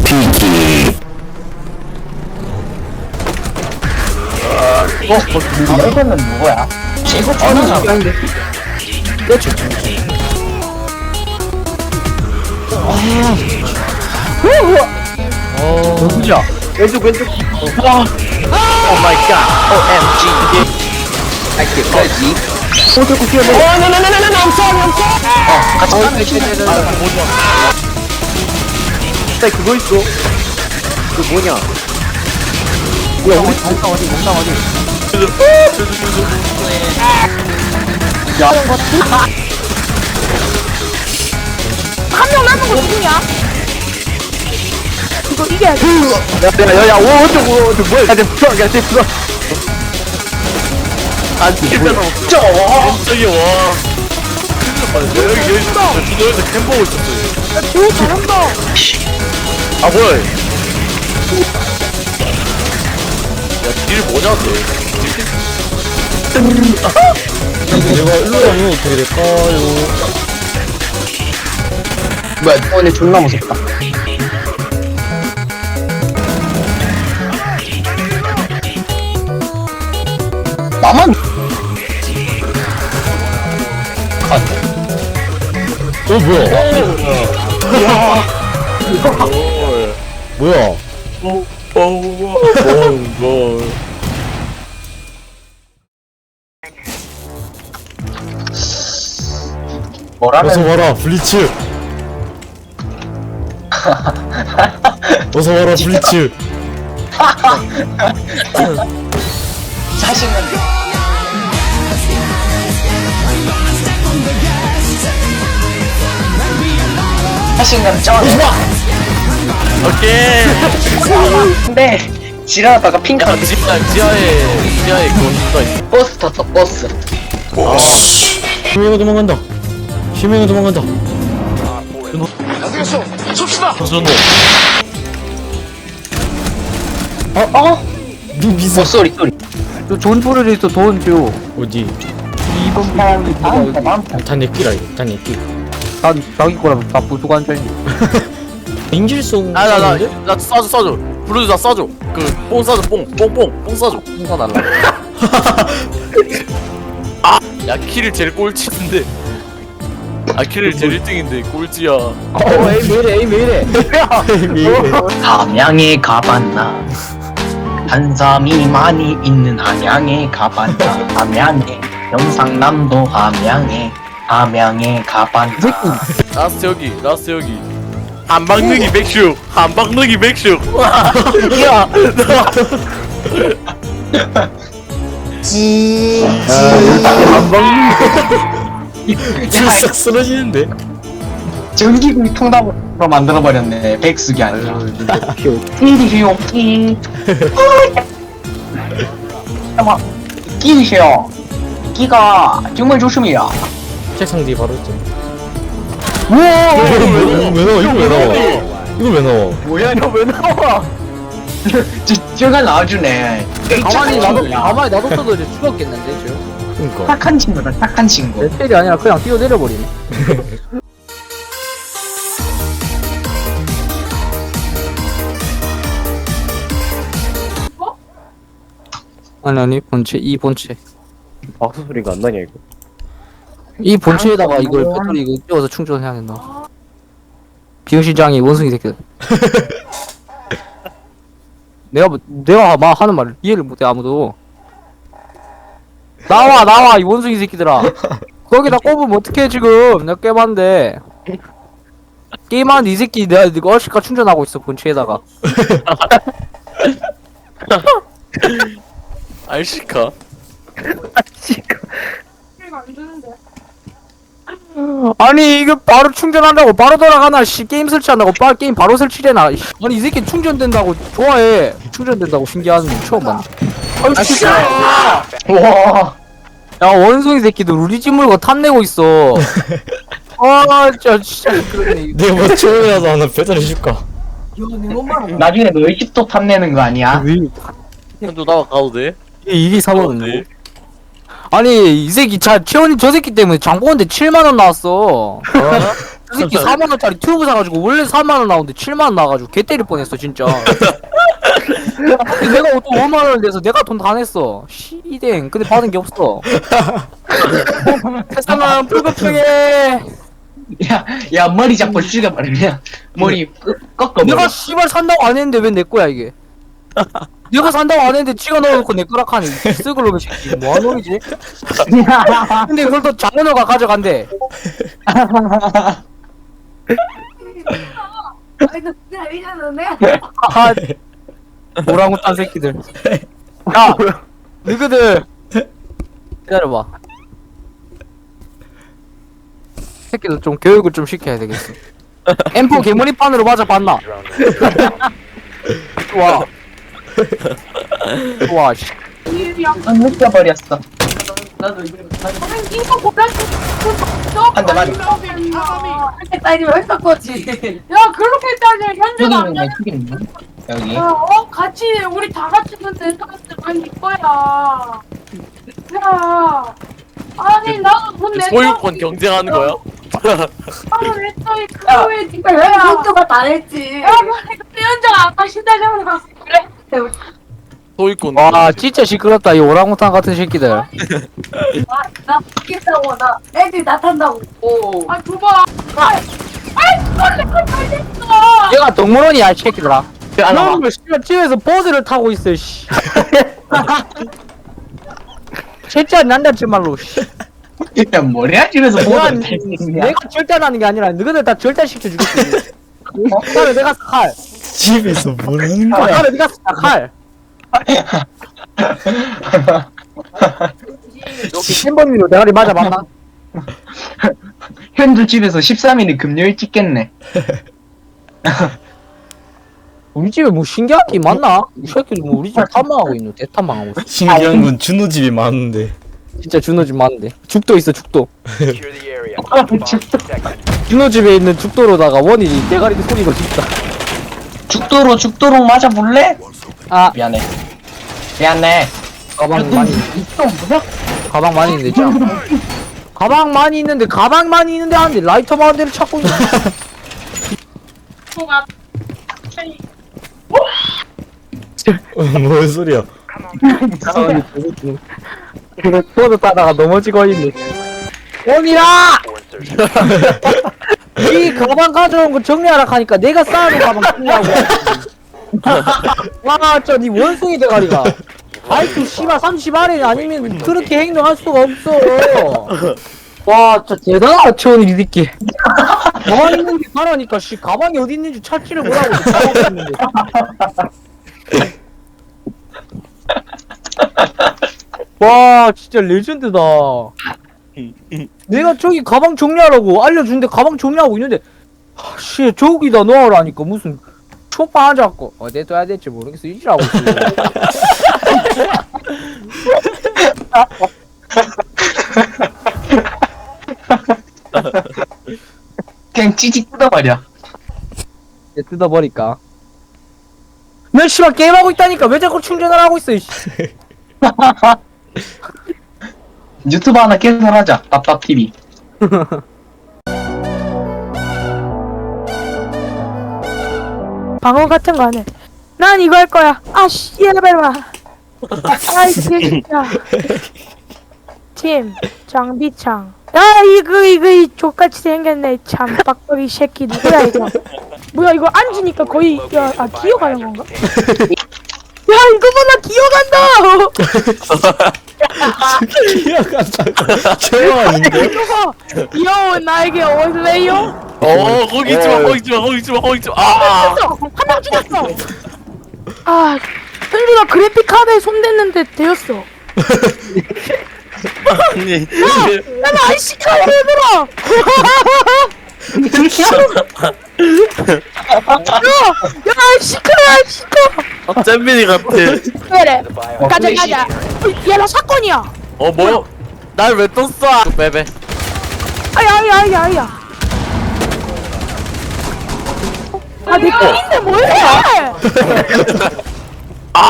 피키. 이거는 누구야? 이거 아니 전화가 아닌데. 그렇죠. 누구야? 왼쪽. 오 마이 갓. OMG. 알게까지. 자꾸 피해. 같이 가면 그거 있어. 그 뭐냐? 뭐야? 우리 몸상 어디? 한 명 남은 거 누구냐? 이거 이겨야 돼. 야야야, 어쩌고 뭐야? 야, 됐어. 안 됐잖아. 갑자기 와. 여기 주도에서 캠 보고 있었어요. 오, 잘한다. 아 뭐야? 야 딜 뭐냐고? 내가 일로 가면 어떻게 될까요? 뭐야? 오늘 존나 무섭다. 나만 뭐야? 뭐라는 어서 와라 블리츠. 어서 와라 블리츠. 자신감. 자신감 쩔어. 오케이. 근데 지나가다가 핑크 야 지하에 그거 누가 있어? 버스 탔어 버스. 희명이 도망간다. 희명이 도망간다. 선수노. 미사. 소리. 저 좋은 소리를 있어. 돈 줘. 어디? 이번 사람이 많다. 다 내끼라 이거. 다 내끼. 난 자기 거라면 다 부수고 앉아있니. 인질송. 나 싸줘. 블루즈 나 싸줘. 그뽕 싸줘 뽕 싸줘. 인사 달라. 야 킬을 제일 꼴찌인데. 아 킬을 제일 1등인데 꼴찌야. 에이 왜 이래. 함양에 가봤나 한삼이 많이 있는 함양에 가봤나 함양에 경상남도 함양에 가봤나 라스트 여기. 한방능이 맥슈. 야 싹 쓰러지는데. 전기구이 통닭으로 만들어버렸네 백숙이 아니라 끼리세요 끼 잠깐만 끼리세요 끼가 정말 좋습니다 책상 뒤에 바로 있잖아. 우와 왜 나와? 이거 왜 나와? 이거 왜 나와? 뭐야 너 왜 나와 저가 나와주네 가만히 놔뒀어도 이제 죽었겠는데 저. 그러니까. 착한 친구다 착한 친구 내 텔이 아니라 그냥 뛰어내려버리네. 아니 본체 이 본체 박수 소리가 안 나냐 이거? 이 본체에다가 이걸 배터리 이거 끼워서 충전해야 된다. 비용시장이 원숭이 새끼들. 내가 막 하는 말을 이해를 못해 아무도. 나와 이 원숭이 새끼들아. 거기다 꼽으면 어떡해 지금. 내가 게임하는데 게임하는데 이 새끼 내가 얼씨가 충전하고 있어 본체에다가. 알시카. 안 주는데. 아니 이거 바로 충전한다고 바로 돌아가나 씨 게임 설치한다고 게임 바로 설치되나. 아니 이 새끼 충전된다고 좋아해. 충전된다고 신기하는 거 처음 봤네. 아이씨. 와 야 원숭이 새끼들 우리 집 물건 탐내고 있어. 아 진짜 그러네. 내가 뭐 처음이라도 하나 배달해 줄까? 나중에 너 10도 탐내는 거 아니야? 현도 나와 가도 돼? 이게 가도 4만원. 돼? 아니 이 새끼 채원이 저 새끼 때문에 장보건데 7만원 나왔어. 그 새끼 4만원짜리 튜브 사가지고 원래 4만원 나오는데 7만원 나와가지고 개 때릴 뻔했어 진짜. 근데 내가 또 5만원을 내서 내가 돈 다 냈어. 시댕. 근데 받은 게 없어. 세상은 불공평해. 야 머리 잡고 죽여버리냐 머리 꺾어버려. 내가 씨발 산다고 안 했는데 왜 내 거야 이게? 내가 산다고 안 했는데 지가 넣어놓고 내 거라 하니 쓱을 놈의 새끼 뭐하는 놈이지? 근데 그걸 또 장은호가 가져간대. 아니 너 진짜 이러는데? 아, 오랑우탄 새끼들. 야, 너희들 기다려봐. 새끼들 좀 교육을 좀 시켜야 되겠어. M4 개머리판으로 맞아봤나? 좋아. 좋아. 씨. 느껴버렸어. 아니 이거 보다 한대 맞아. 이렇게 따지면 했을 거지. 야 그렇게 따지면 현주가 안 돼. 죽이는 여기. 야, 같이 우리 다 같이 근데 아니 거야. 야, 아니 나도 돈 냈어. 소유권 경쟁하는 거야? 나도 냈어. 그거에 니가 왜 현주가 다 냈지. 야, 근데 현주가 아까 신다잖아. 그래. 소유권. 와, 진짜 시끄럽다. 이 오랑우탄 같은 새끼들. 나 죽겠다고 나 애들 나 탄다고. 아 줘봐. 그걸 내가 잘 됐어. 얘가 동물원이야, 이 새끼들아. 안 와봐. 놈을 씨발 집에서 버스를 타고 있어, 씨. 진짜 난다지 말로, 씨. 야 머리야 집에서 내가, 보는 내가 절단하는 게 아니라 너희들 다 절단시켜 주겠지. 칼을 내가 사, 칼. 집에서 뭘 하는 칼을 내가 사, 칼. 여기 10번으로 대가리 맞아봤나? 현주 집에서 13일이 금요일 찍겠네. 우리 집에 뭐 신기한 게 많나? 이 새끼들 뭐 우리 집 탐방하고 있노? 대탐방하고 있어. 신기한 건 준호 집이 많은데. 진짜 준호 집 많은데. 죽도 있어, 죽도. Secure the area. Bomb protected. 준호 집에 있는 죽도로다가 원이 대가리 소리가 진짜. 죽도록 맞아볼래? 아, 미안해. 미안해. 가방 많이. 이거 뭐야? 가방 많이 있는데 진짜. 가방 많이 있는데 하는데 라이터만 한 대를 찾고 있는. 뭔 소리야? 그래 포도 따다가 넘어지고 있네. 원이라! For insertion. 이 가방 가져온 거 정리하라 하니까 내가 쌓아놓은 가방 정리하고. 와, 저 니 원숭이 대가리가. 아이쿠 씨발 30안에 아니면 그렇게 행동할 수가 없어. 와, 진짜 대단하다 채원이 이 새끼. 가방 있는데 가라니까 씨 가방이 어디 있는지 찾지를 못하고 가방 있는데. 와, 진짜 레전드다. 내가 저기 가방 정리하라고 알려준데 가방 정리하고 있는데 씨 저기다 놓으라니까 무슨 초파 앉았고 내둬야 될지 모르겠어 이지라고 있어. 그냥 찌직 뜯어버려. 얘 뜯어버릴까? 난 씨발 게임하고 있다니까 왜 자꾸 충전을 하고 있어 이씨. 유튜브 하나 개설하자. 밥밥TV. 방어 같은 거 안 해. 난 이거 할 거야. 아, 씨, 얘들아. 아이, 진짜. 팀, 장비창. 야, 이 족같이 생겼네. 참, 빡빡이 새끼. 누구야, 이거? 뭐야, 이거 앉으니까 거의, 야, 아, 기어가는 건가? 야, 이거 봐, 나 기어간다! 기억한다고. 최호 아닌데? 이거 봐! 귀여운 나에게 오실래요? 거기 있지 마. 아! 한 명 죽였어! 아, 현주가 그래픽 카드에 손댔는데 되었어. 아니. 야, 나 아이씨카야, 얘들아! 야, 아이씨카! 잼민이 같아. 그래, The bio. 가자. 야, 나 사건이야! 뭐야? 날 왜 또 쏴? 빼. 아야. 아, 내 끈인데 뭐해!